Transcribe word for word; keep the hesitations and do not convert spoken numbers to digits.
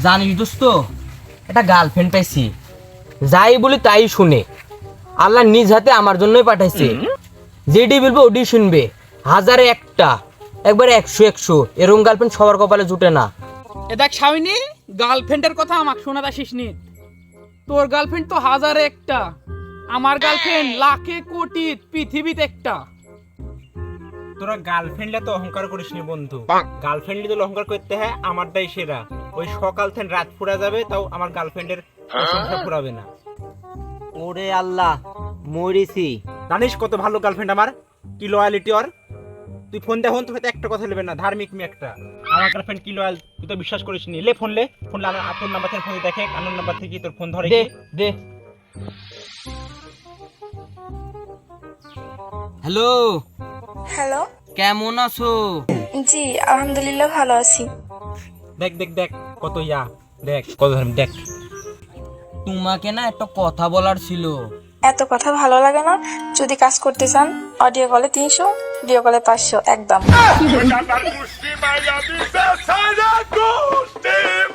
জানিস দোস্ত, একটা গার্লফ্রেন্ড পাইছি, যাই বলি তাই শুনে। আল্লাহ নিজ হাতে আমার জন্যই পাঠাইছে। যেটি বলবো ওটি শুনবে। হাজারে একটা, একবারে একশো একশো। এরকম গার্লফ্রেন্ড সবার কপালে জুটে না। এ দেখ শামিনী, গার্লফ্রেন্ডের কথা আমাকে শোনাতে আসিস নি। তোর গার্লফ্রেন্ড তো হাজারে একটা, আমার গার্লফ্রেন্ড লাখে কোটি পৃথিবীতে একটা। তোরা গার্লফ্রেন্ডে তো অহংকার করিস নি বন্ধু। গার্লফ্রেন্ডে তো অহংকার করতে হয় আমারটাই সেরা। ওই সকাল থেকে রাত পুরা যাবে, তাও আমার গার্লফ্রেন্ডের প্রশংসা পুরাবে না। ওরে আল্লাহ, মরিছি। জানিস কত ভালো গার্লফ্রেন্ড আমার, কি লয়ালিটি ওর। তুই ফোন দেখুন, তো হয়তো একটা কথা নেবে না, ধার্মিক মেয়ে একটা। আমার গার্লফ্রেন্ড কি লয়াল, তুই তো বিশ্বাস করিস নি। লে ফোন লে, ফোন লে, তোর নাম্বার থেকে ফোন দেখে, আনোর নাম্বার থেকে তোর ফোন ধরে দে কি? দে। হ্যালো, হ্যালো, কেমন আছো? জি আলহামদুলিল্লাহ ভালো আছি। দেখ দেখ দেখ কত ইয়া, দেখ কত ধার্মিক, দেখ। তোমাকে না একটা কথা বলার ছিল। এত কথা ভালো লাগে না। যদি কাজ করতে চান অডিও কলে তিনশো, ভিডিও কলে পাঁচশো একদম।